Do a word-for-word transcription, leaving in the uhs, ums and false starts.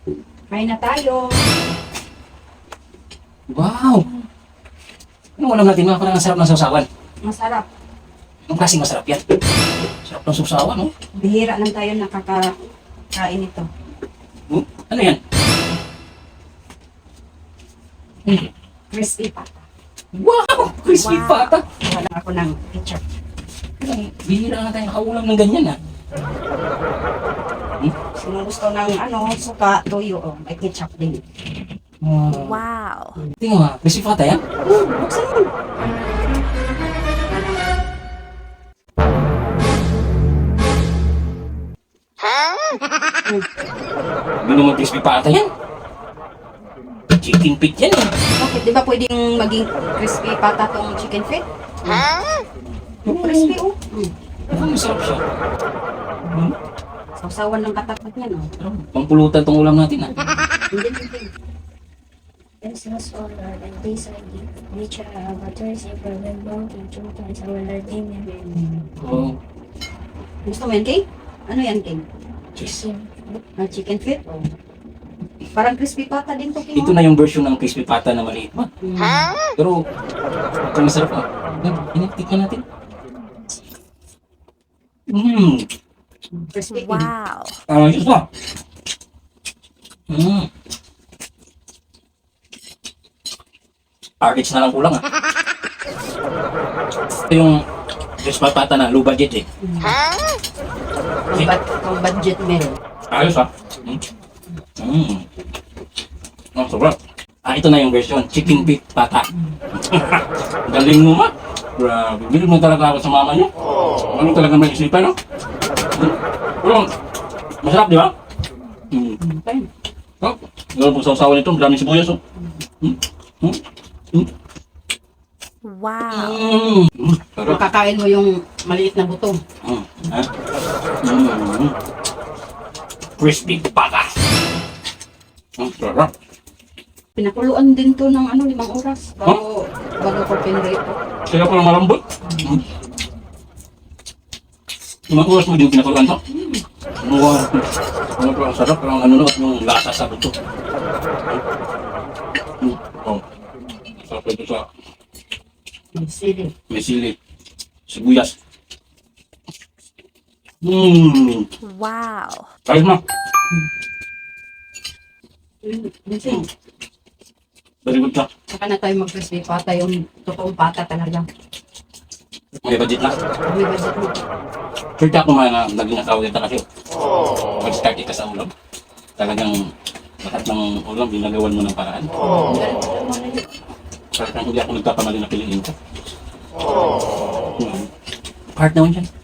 Kain na tayo. Wow! Anong ulam natin mga parang ang sarap ng sausawan? Masarap. Anong klaseng masarap yan? Sarap ng sausawan, no? Bihira lang tayo nakakakain ito. Hmm? Ano yan? Hmm. Crispy pata. Wow! Crispy Wow. pata! Wala ako ng ketchup. Ang bihira na tayo nakaulam ng ganyan, ha? Hmm? Sino gusto ng ano, suka, toyo, oh, may ketchup din. Wow! Wow. Tingnan mo, ha? Crispy pata yan? Oh, buksan mo. Hindi naman crispy pata yan. Chicken feet yan, eh. Bakit? Di ba pwedeng maging crispy pata tong chicken feet? Crispy, oh. Mm. Ano masarap siya? Hmm? Sausawan ng katapat niyan, oh. Sarap. Pangpulutan tong ulam natin, ha? Hindi, hindi. This was all Lord, and this I give, which I have uttered in remembrance in two times our Lord. Amen. Oo. Gusto mo yan, King? Ano yan, King? Chicken. Ah, chicken feet? Oh. Parang crispy pata din to, King. Ito na yung version ng crispy pata na maliit pa. Mm. Pero, ito masarap, ha? Initikman natin. Mmm! Crispy. Wow. Ah, ayos pa. Mmm. R H na lang kulang, ha? Ito yung crispy pata na low budget, eh. Kung, bad, kung budget meron. Ayos, ha? Mmm. Mmm. Oh, sobrang. Ah, ito na yung version. Chicken feet pata. Galing mo, ma. Grabe. Bilib mo talaga ako sa mama niyo. Ano talaga may isipan, no? Hmm? Pero, masarap, di ba? Hmm. Okay. Oh, gano'n po sa usawa nito. Maraming sibuyas, oh. Hmm? Hmm? Hmm? Wow. Hmm. Hmm. Sarap. Makakain mo yung maliit na buto. Hmm. Ha? Hmm. Crispy pata. Hmm, sarap. Pinakuluan din to ng ano, limang oras. Bago, bago ko pinrito. Kaya pala malambot. Hmm. Limang oras mo din pinakuluan to. Wow. Ano pa ang sarap, pero ang ano at yung lasa sa buto. Hmm. Oh. Sarap ito sa Sili. may sili, sibuyas. Hmm. Wow. Ayos na. Minsan, Very good ka. saka na tayo mag-crispy pata, yung totoong pata talaga. May budget na. May budget mo. Sure ka kung mga naging asawa dito kasi. Mag-start ka sa ulam. Talagang lahat ng ulam, ginagawan mo ng paraan. Parang hindi ako nagkakamali na piliin ka. Hmm. Part naman siya.